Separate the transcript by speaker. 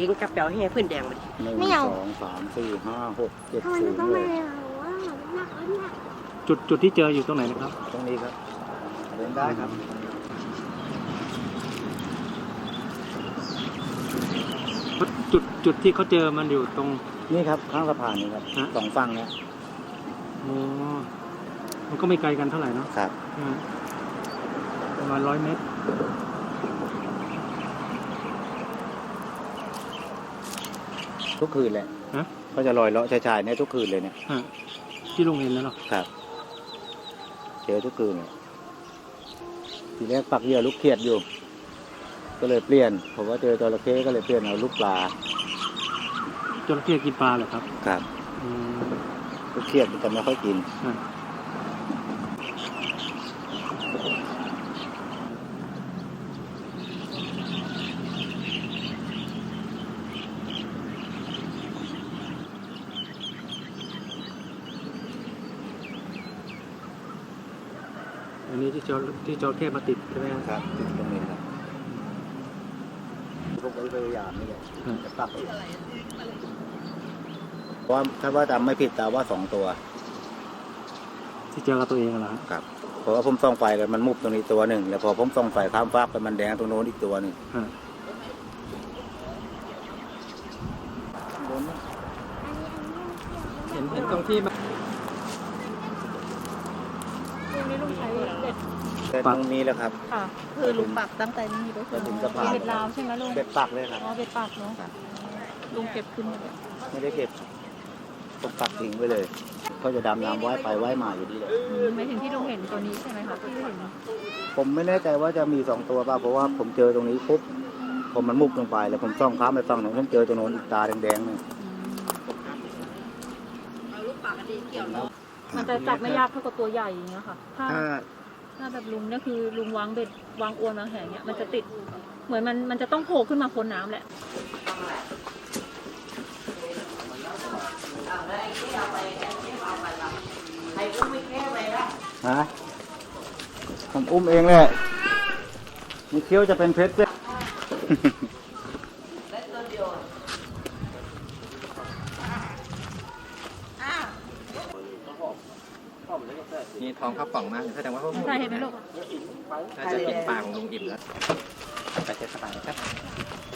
Speaker 1: งกับเปียวให้พื้นแดงมาดิ
Speaker 2: 1 2 3 4 5 6 7 0เลย
Speaker 3: จุดที่เจออยู่ตรงไหนนะครับ
Speaker 2: ตรงนี้ครับเดินได้ครับ
Speaker 3: จุดที่เขาเจอมันอยู่ตรง
Speaker 2: นี่ครับข้างสะพานนี่ครับ
Speaker 3: ฮะ
Speaker 2: 2 ฝั่งเนี่ย
Speaker 3: อ๋อมันก็ไม่ไกลกันเท่าไหร่เนาะ
Speaker 2: ครับ
Speaker 3: ประมาณ100 เมตร
Speaker 2: ทุกคืนเลย
Speaker 3: ฮะ
Speaker 2: ก็จะลอยเลาะชายๆเนี่ยทุกคืนเลยเนี่ย
Speaker 3: ฮะที่ลุงเห็นแล้วเนาะ
Speaker 2: ครับ เจอทุกคืนเลยทีแรกปักเหยื่อลูกเขียดอยู่ ก็เลยเปลี่ยนผมว่าเจอจระเข้ก็เลยเปลี่ยนเอาลูกปลา
Speaker 3: จระเข้กินปลาเหรอครับ
Speaker 2: ครับ
Speaker 3: อืม
Speaker 2: ลูกเขียดมันจะไม่ค่อยกิน
Speaker 3: ฮะอันนี้ที่จระเข้มาติดใช่ไหมครับ
Speaker 2: ครับติดตรงนี้ครับพวกไว้พยายามนี่แหละ
Speaker 3: ฮะ
Speaker 2: จะปักเอาเพราะว่าถ้าว่าจำไม่ผิดแต่ว่า2 ตัว
Speaker 3: ที่เจอกับตัวเองเหรอครับ
Speaker 2: ครับเพราะว่าผมส่องไฟกันมันมุบตรงนี้ตัวหนึ่งแล้วพอผมส่องไฟข้ามฟากไปมันแดงตรงโน้นอีกตัวหนึ่ง
Speaker 3: ฮะ เห็นตรงที่มัน
Speaker 4: ลุงนี่ลุงใช้เบ็ด
Speaker 2: แต่ตรงนี้แหละครับ
Speaker 4: ค่ะ คือลุงปักตั้งแต่นี่ก็คือ
Speaker 2: ถึงสะพาน
Speaker 4: เบ็ดลาวใช่ไหมลุง
Speaker 2: เบ็ดปักเลยครับ
Speaker 4: อ๋อเบ็ดปักเนาะลุงเก็บขึ้นมาเลย
Speaker 2: ไม่ได้เก็บผมปักทิ้งไว้เลยเขาจะดำน้ำว่ายไปว่ายมาอยู่ดีเลย
Speaker 4: ไม่ถึงที่ลุงเห็นตัวนี้ใช่ไหมคะที่เห็น
Speaker 2: ผมไม่แน่ใจว่าจะมี2 ตัวป่ะเพราะว่าผมเจอตรงนี้ปุ๊บผมมันมุบลงไปแล้วผมส่องข้ามไปฝั่งโน้นผมเจอตรงโน้นอีกตาแดงๆเนี่ย
Speaker 4: มันจะจับไม่ยากเท่ากับตัวใหญ่อย่างเงี้ยค่ะถ้า
Speaker 2: ถ้า
Speaker 4: ถ้าแบบลุงเนี่ยคือลุงวางเบ็ดวางอวนวางแหเนี่ยมันจะติดเหมือนมันจะต้องโผล่ขึ้นมาพ้นน้ำแหละ
Speaker 2: ฮะผมอุ้มเองแหละมีเคี้ยวจะเป็นเพชรด้วย
Speaker 5: มีทองข้าวป่องมากแสดงว่าเขา
Speaker 4: ใช่เห็นไหมลูก
Speaker 5: น่าจะกินปลาของลุงอิ่มแล้วไปเช็ดสบายครับ